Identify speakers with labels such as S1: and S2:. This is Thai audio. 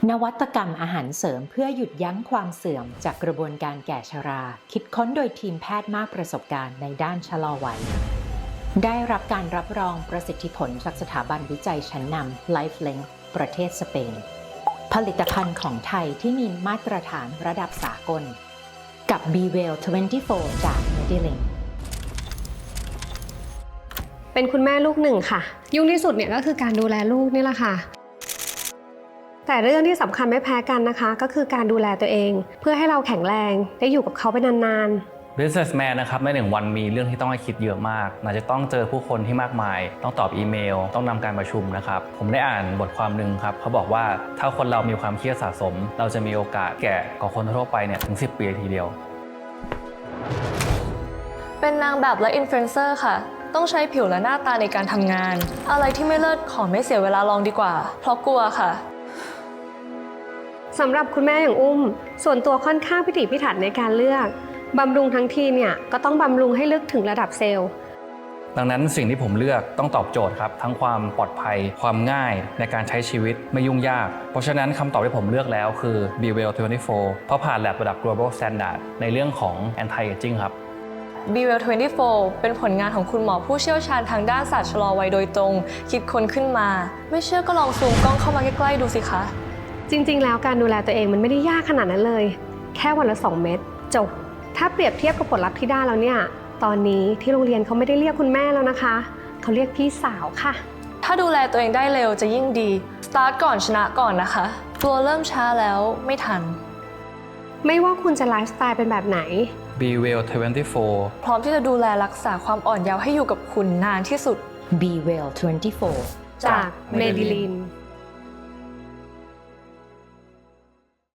S1: นวัตกรรมอาหารเสริมเพื่อหยุดยั้งความเสื่อมจากกระบวนการแก่ชรา คิดค้นโดยทีมแพทย์มากประสบการณ์ในด้านชะลอวัย ได้รับการรับรองประสิทธิผลจากสถาบันวิจัยชั้นนำ LifeLink ประเทศสเปน ผลิตภัณฑ์ของไทยที่มีมาตรฐานระดับสากล กับ BeWell 24 จาก Medilink
S2: เป็นคุณแม่ลูกหนึ่งค่ะยุ่งที่สุดเนี่ยก็คือการดูแลลูกนี่แหละค่ะแต่เรื่องที่สำคัญไม่แพ้กันนะคะก็คือการดูแลตัวเองเพื่อให้เราแข็งแรงได้อยู่กับเขาไปนาน
S3: ๆ Businessman นะครับใน1 วันมีเรื่องที่ต้องให้คิดเยอะมากอาจจะต้องเจอผู้คนที่มากมายต้องตอบอีเมลต้องนำการประชุมนะครับผมได้อ่านบทความหนึ่งครับเขาบอกว่าถ้าคนเรามีความเครียดสะสมเราจะมีโอกาสแก่กว่าคนทั่วไปเนี่ยถึง10 ปีทีเดียว
S4: เป็นนางแบบและอินฟลูเอนเซอร์ค่ะต้องใช้ผิวและหน้าตาในการทำงานอะไรที่ไม่เลิศขอไม่เสียเวลาลองดีกว่าเพราะกลัวค่ะ
S2: สำหรับคุณแม่อย่างอุ้มส่วนตัวค่อนข้างพิถีพิถันในการเลือกบำรุงทั้งทีเนี่ยก็ต้องบำรุงให้ลึกถึงระดับเซลล์
S3: ดังนั้นสิ่งที่ผมเลือกต้องตอบโจทย์ครับทั้งความปลอดภัยความง่ายในการใช้ชีวิตไม่ยุ่งยากเพราะฉะนั้นคำตอบที่ผมเลือกแล้วคือ BeWell 24 เพราะผ่านแลบระดับ global standard ในเรื่องของ anti aging ครับ
S4: BeWell 24 เป็นผลงานของคุณหมอผู้เชี่ยวชาญทางด้านศาสตร์ชะลอวัยโดยตรงคิดค้นขึ้นมาไม่เชื่อก็ลองซูมกล้องเข้ามาใกล้ๆดูสิคะ
S2: จริงๆแล้วการดูแลตัวเองมันไม่ได้ยากขนาดนั้นเลยแค่วันละ2 เม็ดจบถ้าเปรียบเทียบกับผลลัพธ์ที่ได้แล้วเนี่ยตอนนี้ที่โรงเรียนเขาไม่ได้เรียกคุณแม่แล้วนะคะเขาเรียกพี่สาวค่ะ
S4: ถ้าดูแลตัวเองได้เร็วจะยิ่งดีสตาร์ทก่อนชนะก่อนนะคะกลัวเริ่มช้าแล้วไม่ทัน
S2: ไม่ว่าคุณจะไลฟ์สไตล์เป็นแบบไหน
S3: BeWell 24
S4: พร้อมที่จะดูแลรักษาความอ่อนเยาว์ให้อยู่กับคุณนานที่สุด
S1: BeWell 24
S2: จาก Medilink